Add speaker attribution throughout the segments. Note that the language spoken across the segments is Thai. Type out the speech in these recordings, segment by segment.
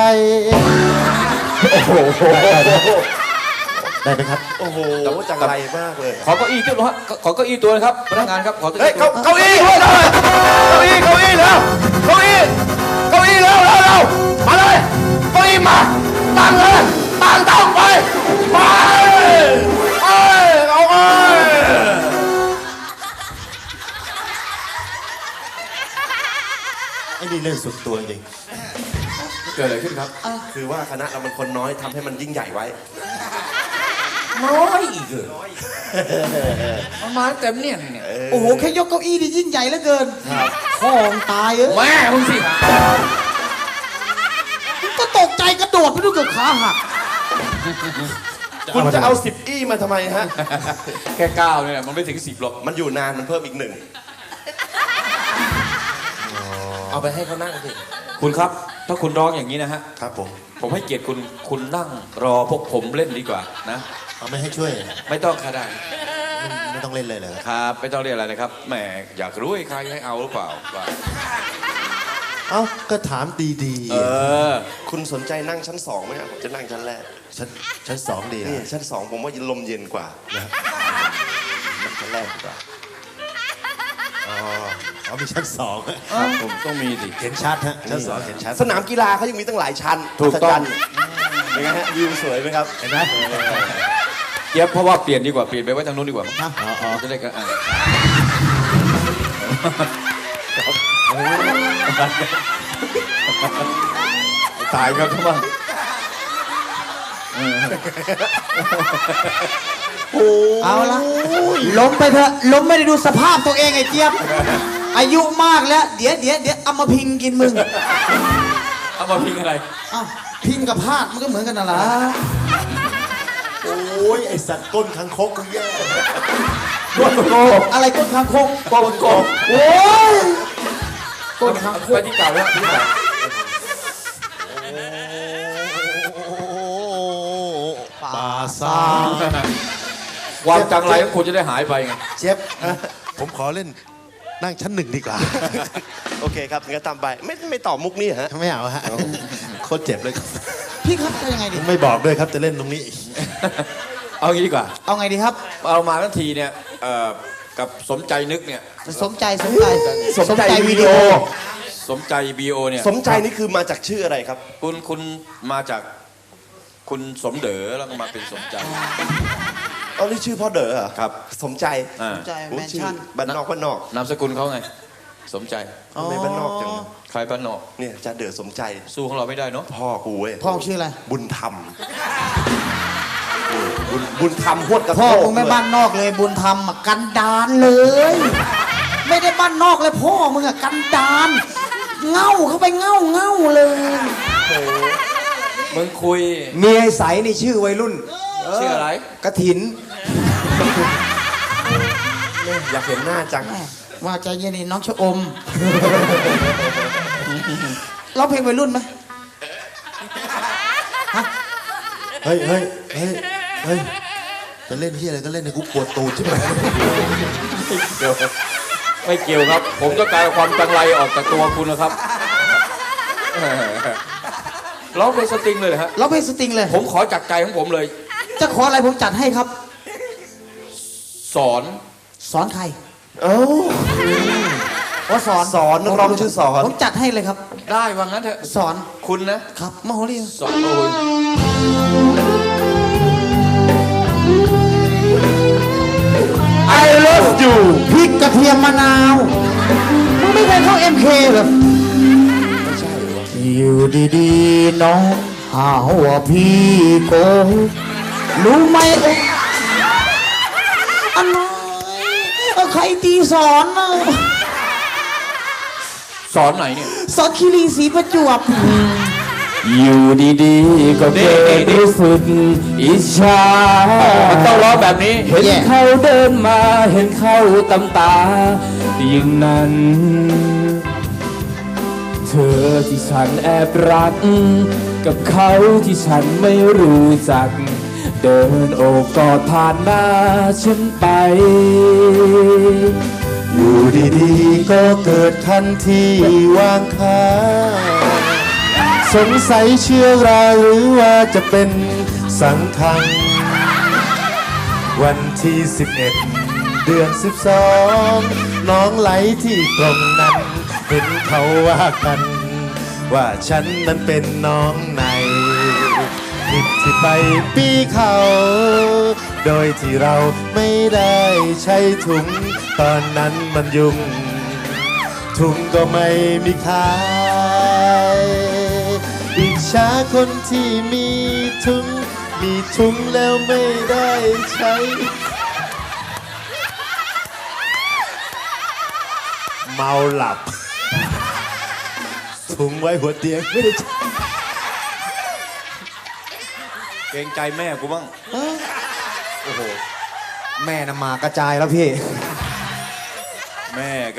Speaker 1: โอ้โหได้ไหมครับ
Speaker 2: โอ้โหจังไรมากเลย
Speaker 3: ขอเก้าอี้ตัวฮะขอเก้าอี้ตัวนะครับพนักงานครับขอเก้า
Speaker 2: เฮ้ย
Speaker 3: อี้
Speaker 2: เก้าอี้ด้วยเลยเก้าอี้แล้วเก้าอี้แล้วมาเลยเก้าอี้มาตั้งเลยตั้งไปเอา
Speaker 1: ไอ้นี่เล่นสุดตัวจริง
Speaker 3: เกิดอะไรขึ้นครับ
Speaker 2: คือว่าคณะเรามันคนน้อยทำให้มันยิ่งใหญ่ไว้
Speaker 3: น้อยอีกเหรอประมาณเต็มเนี่ย
Speaker 4: โอ้โหแค่ยกเก้าอี้นี่ยิ่งใหญ่เหลือเกินพ่อมึงตาย
Speaker 3: แม่มึงสิ
Speaker 4: ก็ตกใจกระโดดไปดูเกือบขาหัก
Speaker 2: คุณจะเอา10 อี้มาทำไมฮะ
Speaker 3: แค่9เนี่ยมันไม่ถึง10หรอก
Speaker 2: มันอยู่นานมันเพิ่มอีก1เอาไปให้เขานั่งสิ
Speaker 3: คุณครับถ้าคุณร้องอย่างนี้นะฮะ
Speaker 1: ครับ
Speaker 3: ผมให้เกียรติคุณนั่งรอพวกผมเล่นดีกว่านะ
Speaker 1: เอาไม่ให้ช่วย
Speaker 3: ไม่ต้องค่ะได้
Speaker 1: ไม่ต้องเล่นเลยเหรอ
Speaker 3: ครับไม่ต้องเรียกอะไรนะครับแหมอยากรู้ใครให้เอาหรือเปล่า
Speaker 1: เอ้าก็ถามดี
Speaker 2: ๆคุณสนใจนั่งชั้น2ไหมครับผมจะนั่งชั้นแรก
Speaker 1: ชั้น2ดี
Speaker 2: นี่ชั้น2ผมว่าลมเย็นกว่านะนั่งชั้นแรกดีกว่า
Speaker 1: อ๋อมีชั้น2
Speaker 3: ผมต้องมีดิ
Speaker 1: เห็นชัดฮะชั้น2เห็นชัด
Speaker 2: สนามกีฬาเขายังมีตั้งหลายชั้น
Speaker 3: ถูกต้อง
Speaker 2: เป็นไงฮะวิวสวยไหมครับ
Speaker 1: เห็นไหม
Speaker 3: เย็บเพราะว่าเปลี่ยนดีกว่าเปลี่ยนไปไว้ทางนู้นดีกว่าจะได้กันตายครับทุกคน
Speaker 4: เอาละล้มไปเถอะล้มไม่ได้ดูสภาพตัวเองไอ้เจี๊ยบอายุมากแล้วเดี๋ยวเอามาพิงกินมึง
Speaker 3: เอามาพิงอะไร
Speaker 4: พิงกับพาดมันก็เหมือนกันน่ะล่ะ
Speaker 1: โอ้ยไอสัตว์ก้นคังคกกูแย่
Speaker 4: ก้นโกอะไรก้นคังคก
Speaker 3: ก้นโก
Speaker 4: โอ้ยก้นคังคก
Speaker 3: ไปที่เก่าแล้วที่เก่า
Speaker 1: ป่าซ่า
Speaker 3: ความจังไรของคุณจะได้หายไปไง
Speaker 1: เชฟผมขอเล่นนั่งชั้น1ดีกว่า
Speaker 2: โอเคครับงั้นตามไปไม่ตอบมุกนี้ฮะ
Speaker 1: ไม่เอาฮะโคตรเจ็บเลย
Speaker 4: พี่ครับจะยังไงดี
Speaker 1: ไม่บอกด้วยครับจะเล่นตรงนี้
Speaker 3: เอางี้ดีกว่า
Speaker 4: เอาไงดีครับ
Speaker 3: เอามาทันทีเนี่ยกับสมใจนึกเนี่ย
Speaker 4: สมใจวิดีโอ
Speaker 3: สมใจวีโอเนี่ย
Speaker 2: สมใจนี่คือมาจากชื่ออะไรครับ
Speaker 3: คุณมาจากคุณสมเด๋อแล้วก็มาเป็นสมใจ
Speaker 2: เอานี่ชื่อพ่อเด๋อเหรอ
Speaker 3: ครับ
Speaker 2: สมใจ
Speaker 4: แมนชั่น
Speaker 2: บ้านนอก
Speaker 3: นามสกุลเขาไงสมใจ
Speaker 2: ไม่บ้านนอกจัง
Speaker 3: ใครบ้านนอก
Speaker 2: เนี่ยจะเด๋อสมใจ
Speaker 3: สู้ของเราไม่ได้เนาะ
Speaker 2: พ่อกูเว้ย
Speaker 4: พ่อชื่ออะไร
Speaker 2: บุญธรรมบุญธรรมพวดกระโ
Speaker 4: พ่อมึงไม่บ้านนอกเลยบุญธรรมกันดานเลยไม่ได้บ้านนอกเลยพ่อมึงกันดานเง่าเข้าไปเง่าเลย
Speaker 3: มึงคุย
Speaker 4: เมียใสนี่ชื่อวัยรุ่น
Speaker 3: ชื่ออะไร
Speaker 4: กฐิน
Speaker 2: อยากเห็นหน้าจัง
Speaker 4: ว่าใจเย็นนี่น้องชะอมร้องเพลงวัยรุ่นไหม
Speaker 1: เฮ้ยจะเล่นที่อะไรก็เล่นในกูปวดตูดใช่ไหม
Speaker 3: ไม่เกี่ยวครับผมต้องการความจังไรออกจากตัวคุณนะครับร้องเพลงสตริงเลยฮะ
Speaker 4: ร้องเพลงสตริงเลย
Speaker 3: ผมขอจากใจของผมเลย
Speaker 4: จะขออะไรผมจัดให้ครับ
Speaker 3: สอน
Speaker 4: ใคร
Speaker 2: ว่าสอนนักร้องชื่อสอน
Speaker 4: ผมจัดให้เลยครับ
Speaker 3: ได้ว่างั้นเถอะ
Speaker 4: สอน
Speaker 3: คุณนะครับ
Speaker 4: มโหรี
Speaker 3: สอนโอ้ย
Speaker 4: I love you พริกกระเทียมมะนาวมึงไม่เคยเข้า MK เหรอ
Speaker 2: ไม่ใช่
Speaker 4: อยู่ดีๆน้องหาว่าพี่โกงรู้ไหมอะไรใครตีสอน
Speaker 3: สอนไหนเนี่ย
Speaker 4: สอนคีรีศรีประจวบ
Speaker 3: อยู่ดีๆก็เกิดรู้สึกอิจฉามันต้องร้องแบบนี้เห็นเขาเดินมาเห็นเขาตำตาอย่างนั้นเธอที่ฉันแอบรักกับเขาที่ฉันไม่รู้จักเดินโอบกอดผ่านหน้าฉันไป
Speaker 1: อยู่ดีๆก็เกิดทันทีวางค้าสงสัยเชื้อราหรือว่าจะเป็นสังคังวันที่11 เดือน 12น้องไหลที่ตรงนั้นเห็นเขาว่ากัน ว่าฉันนั้นเป็นน้องในผิดที่ไปปีเขา โดยที่เราไม่ได้ใช้ถุง ตอนนั้นมันยุ่ง ถุงก็ไม่มีขายอิจฉาคนที่มีถุง มีถุงแล้วไม่ได้ใช้ เมาหลับ ถุงไว้หัวเตียงไม่ได้ใช้
Speaker 2: เกรงใจแม่กูบ้าง
Speaker 5: โอ้โห แม่น่ะมากระจายแล้วพี่
Speaker 2: แม่ก็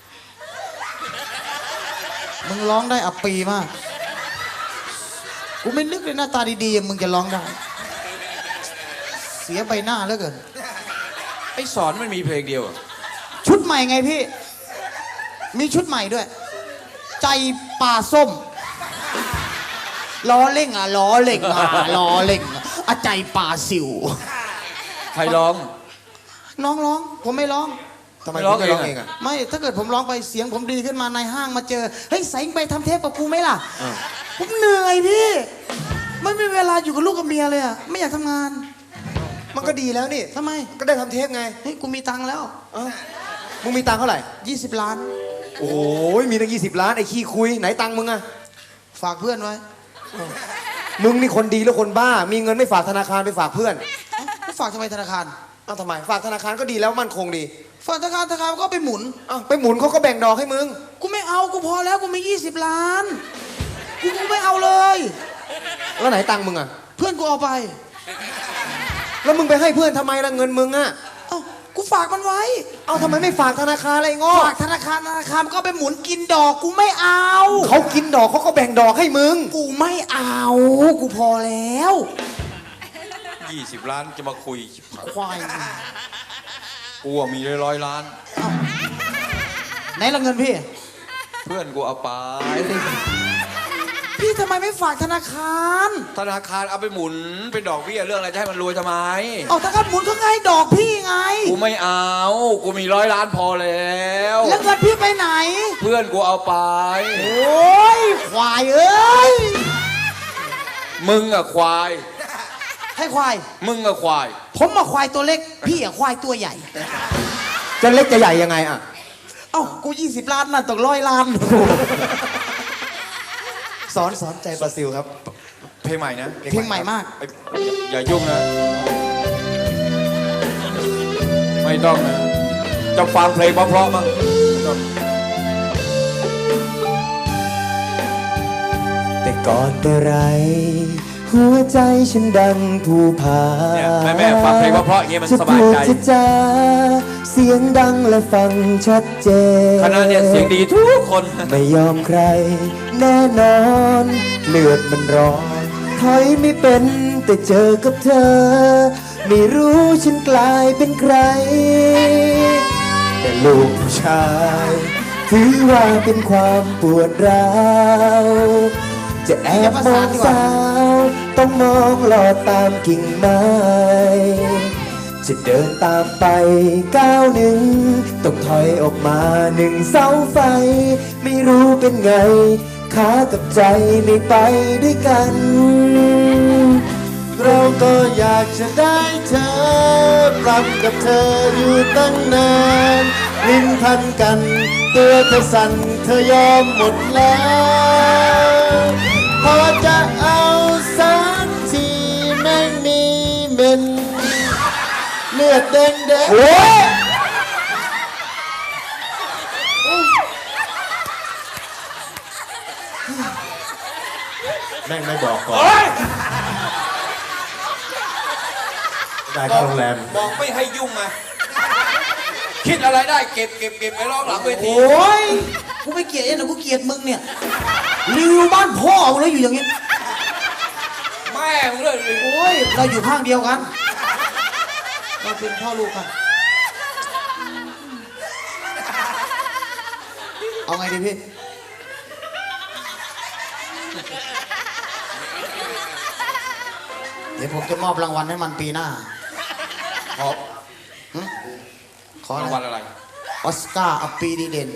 Speaker 4: มึงร้องได้อับปีมาก กูไม่นึกเลยหน้าตาดีๆอย่างมึงจะร้องได้ เสียใบหน้าเหลือเกิน
Speaker 2: ไอ้สอนมันมีเพลงเดียวอะ
Speaker 4: ชุดใหม่ไงพี่ มีชุดใหม่ด้วย ใจป่าส้ม ล้อเล่งอ่ะล้อเล่งอ่ะล้อเล่งอะใจป่าสิว
Speaker 2: ใครร้อง
Speaker 4: น้องร้อง ผมไม่ร้อง
Speaker 5: ทำไม
Speaker 2: ไม่ร้อง
Speaker 5: คุณไม่ร้อง
Speaker 2: เอ
Speaker 5: เอง ง
Speaker 2: อะ
Speaker 5: อ่ะ
Speaker 4: ไม่ ถ้าเกิดผมร้องไปเสียงผมดีขึ้นมาในห้างมาเจอ เฮ้ยใส่ไปทำเทปกับกูไหมล่ะ ผมเหนื่อยพี่ ไม่มีเวลาอยู่กับลูกกับเมียเลยอ่ะ ไม่อยากทำงาน
Speaker 5: มันก็ดีแล้วนี่
Speaker 4: ทำไม
Speaker 5: ก็ได้ทำเทปไง
Speaker 4: เฮ้ย กูมีตังค์แล้ว
Speaker 5: มึงมีตังค์เท่าไหร่
Speaker 4: 20 ล้าน
Speaker 5: โอ้ยมีตั้ง20 ล้านไอ้ขี้คุย ไหนตังค์มึงอะ
Speaker 4: ฝากเพื่อนไว้
Speaker 5: มึงนี่คนดีหรือคนบ้า มีเงินไม่ฝากธนาคารไปฝากเพื่อน
Speaker 4: ไม่ฝากทำไมธนาคาร
Speaker 5: เอ้าทำไม ฝากธนาคารก็ดีแล้วมั่นคงดี
Speaker 4: ฝากธนาคารก็ไปหมุน
Speaker 5: เอ้าไปหมุนเขาก็แบ่งดอกให้มึง
Speaker 4: กูไม่เอา กูพอแล้ว กูมี20 ล้าน กูไม่เอาเลย
Speaker 5: แล้วไหนตังค์มึงอะ
Speaker 4: เพื่อนกูเอาไป
Speaker 5: แล้วมึงไปให้เพื่อนทำไมล่ะเงินมึงอะ
Speaker 4: เอ้า กูฝากมันไว้
Speaker 5: เอ้าทำไมไม่ฝากธนาคารอะไรโง่
Speaker 4: ฝากธนาคารมันก็ไปหมุนกินดอก กูไม่เอา
Speaker 5: เขากินดอกเขาก็แบ่งดอกให้มึง
Speaker 4: กูไม่เอา กูพอแล้ว
Speaker 2: 20 ล้านจะมาคุย
Speaker 4: ควาย
Speaker 2: กูอะมี100 ล้าน
Speaker 4: ไหนละเงินพี่
Speaker 2: เพื่อนกูเอาไป
Speaker 4: พี่ทำไมไม่ฝากธนาคาร
Speaker 2: ธนาคารเอาไปหมุนเป็นดอกเบี้ยเรื่องอะไรจะให้มันรวยทำไม
Speaker 4: เอาธนาคารหมุนเขาไงดอกพี่ไง
Speaker 2: กูไม่เอา กูมี100 ล้านพอแล้ว
Speaker 4: แล้วเงินพี่ไปไหน
Speaker 2: เพื่อนกูเอาไป
Speaker 4: โอ้ยควายเอ้ย
Speaker 2: มึงอะควาย
Speaker 4: ให้ควาย
Speaker 2: มึงอะควาย
Speaker 4: ผมมาควายตัวเล็ก พี่อะควายตัวใหญ่
Speaker 5: จะเล็กจะใหญ่ยังไงอะ
Speaker 4: เอ้า กู20 ล้านน่ะต้อง100 ล้าน
Speaker 5: สอนใจบราซิลครับ
Speaker 2: เพลงใหม่นะ
Speaker 4: เพลงใหม่มาก
Speaker 2: ไอ้อย่ายุ่งนะ ไม่ต้องนะ จะฟังเพลงเพราะๆมั้งไม่ต้อง
Speaker 5: แต่ก่อนแต่ไร หัวใจฉันดังภูผา
Speaker 2: เนี่ยแม่ฟังเพลงเพราะๆอย่างเงี้ยมัน
Speaker 5: จะ
Speaker 2: ส
Speaker 5: พู
Speaker 2: บาย
Speaker 5: ด
Speaker 2: ใจ
Speaker 5: จะจาเสียงดังและฟังชัดเจน
Speaker 2: คณะเนี่ยเสียงดีทุกคน
Speaker 5: ไม่ยอมใคร แน่นอน เลือดมันร้อนถอยไม่เป็นแต่เจอกับเธอ ไม่รู้ฉันกลายเป็นใคร แต่ลูกผู้ชายถือว่าเป็นความปวดร้าวจะแอบมองสาวต้องมองหลอดตามกิ่งไม้จะเดินตามไปก้าวหนึ่งต้องถอยออกมา1 เสาไฟ ไม่รู้เป็นไงขากับใจไม่ไปด้วยกัน
Speaker 1: เราก็อยากจะได้เธอปรับกับเธออยู่ตั้งนานลิ้นพันกันตัวเธอสั่นเธอยอมหมดแล้วพอจะเอาสักทีแม่งมีเม็นเลือดแดงแดง
Speaker 5: โอ้ย
Speaker 1: แม่งไม่บอกก่อนได้เข้าโรงแรม
Speaker 2: บอกไม่ให้ยุ่งไงคิดอะไรได้เก็บไปร้องหลังเวที
Speaker 4: โอ้ย กูไม่เกลียดเองนะกูเกลียดมึงเนี่ยรีวิวบ้านพ่อมึงแล้วอยู่อย่างงี้
Speaker 2: แม่มึงเลย
Speaker 4: โอ้ย เราอยู่ข้างเดียวกัน เราเป็นพ่อลูกกัน เอาไงดีพี่เดี๋ยวผมจะมอบรางวัลให้มันปีหน้า
Speaker 2: ขอ
Speaker 4: ขออะ
Speaker 2: ราง
Speaker 4: ไร
Speaker 2: วัลอะไร
Speaker 4: ออสการ์อัปปีดีเด่น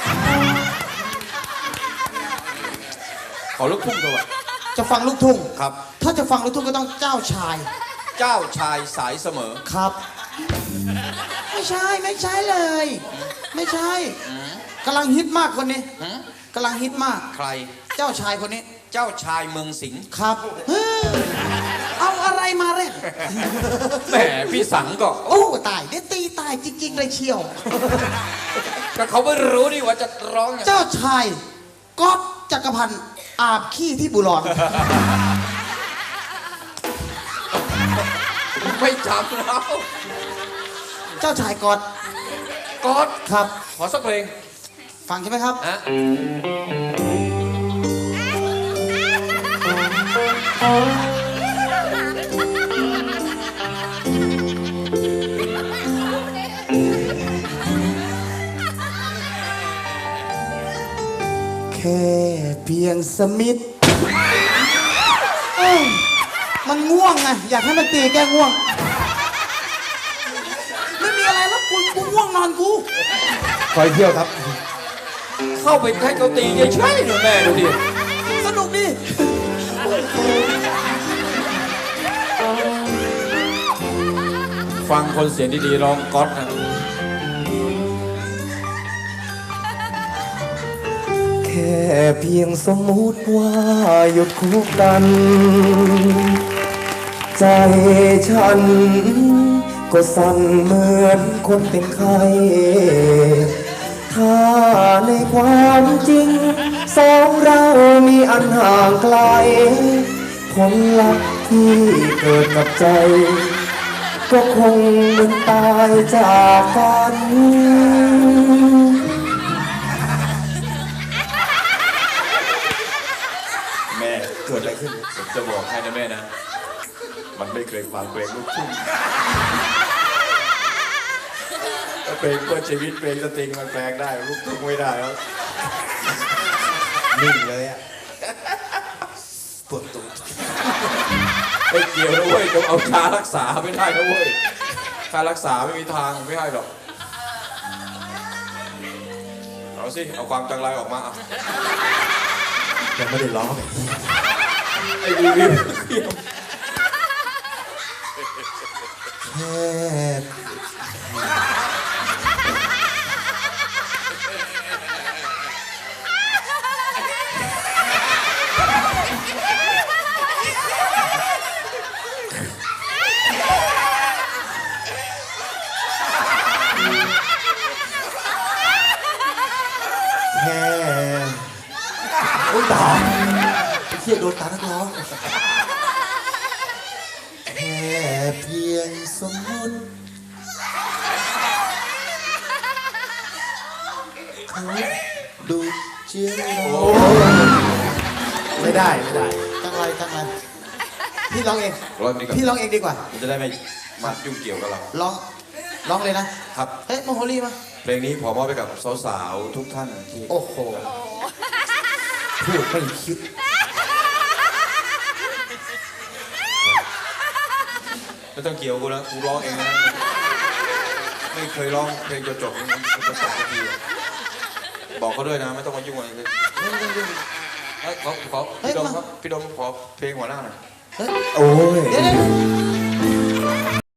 Speaker 2: ขอลูกทุ่งด้วย
Speaker 4: จะฟังลูกทุ่ง
Speaker 2: ครับ
Speaker 4: ถ้าจะฟังลูกทุ่งก็ต้องเจ้าชาย
Speaker 2: เจ้าชายสายเสมอ
Speaker 4: ครับ ไม่ใช่ไม่ใช่เลย ไม่ใช่กำลังฮิตมากคนนี้
Speaker 2: หืม
Speaker 4: กำลังฮิตมาก
Speaker 2: ใคร
Speaker 4: เจ้าชายคนนี้
Speaker 2: เจ้าชายเมืองสิงห์
Speaker 4: ครับเฮ้ยเอาอะไรมาเล่น
Speaker 2: แหมพี่สังก็
Speaker 4: โอ้ตายเดี๋ยวตีตายจริงๆเลยเชียว
Speaker 2: ก็เขาไม่รู้นี่ว่าจะร้องยังไง
Speaker 4: เจ้าชายก๊อฟจักรพันธ์อาบขี้ที่บุรอน
Speaker 2: ไม่จำแล้ว
Speaker 4: เจ้าชายก๊อต
Speaker 2: ก๊อด
Speaker 4: ครับ
Speaker 2: ขอสักเพลง
Speaker 4: ฟังใช่ไหมครับ
Speaker 2: นะ
Speaker 4: แค่เพียงสมิธเอ้ยมันง่วงไงอยากให้มันตีแก้ง่วง ไม่มีอะไรแล้วกูง่วงนอนกู
Speaker 1: คอยเที่ยวครับ
Speaker 2: เข้าไปให้เขาตีเฉยๆหนูแม่ดูดิ
Speaker 4: สนุกดิ
Speaker 3: ฟังคนเสียงดีๆร้องก๊อตนะ
Speaker 5: แค่เพียงสมมุติว่าหยุดคุกกัน ใจฉันก็สั่นเหมือนคนเป็นไข้ ถ้าในความจริงสองเรามีอันห่างไกล ผลลัพธ์ที่เกิดกับใจ ก็คงเหมือนตายจากกัน
Speaker 3: แม่เกิดอะไรขึ้นผมจะบอกให้นะแม่นะ มันไม่เคยฟังเพลงลูกทุ่งถ้าเพลงเพื่อชีวิตเพลงสตริงมันแปลงได้ลูกทุ่งไม่ได้แล้ว
Speaker 1: นิ่งเลยอ่ะ
Speaker 3: ปวดตูดไม่เกี่ยวนะเว้ยจะเอาชารักษาไม่ได้นะเว้ยชารักษาไม่มีทางไม่ให้หรอกเอาสิเอาความจังไรออกมาอ่ะ
Speaker 1: ยังไม่ได้ร้อง
Speaker 3: ไอ้รีวิว
Speaker 1: แค่แค่โอ้ยตาไอ้เหี้ยโดนตานักร้องแค่เพียงสมมติเขาดูเจียงไม่ได้ไม่ได้
Speaker 4: จังไรจังไรพี่ร้องเอง
Speaker 3: ร้องดีกว่า
Speaker 4: พี่ร้องเองดีกว่า
Speaker 3: มันจะได้ไม่มายุ่งเกี่ยวกับเรา
Speaker 4: ร้องเลยนะครับ เฮ้ยโมโหลีมา
Speaker 3: เพลงนี้ขอมอบไปกับสาวๆทุกท่านที่
Speaker 4: โอ้โหพูดไม่คิด
Speaker 3: ไม่ต้องเกี่ยวกูนะกูร้องเองนะไม่เคยร้องเพลงจะจบจะจบสักทีบอกเขาด้วยนะไม่ต้องมายุ่งอะไรเลยขอพี่ดมครับพี่ดมขอเพลงหัวหน้าหน่อย
Speaker 4: เฮ้ย
Speaker 1: โอ้ย
Speaker 4: เดี๋ยว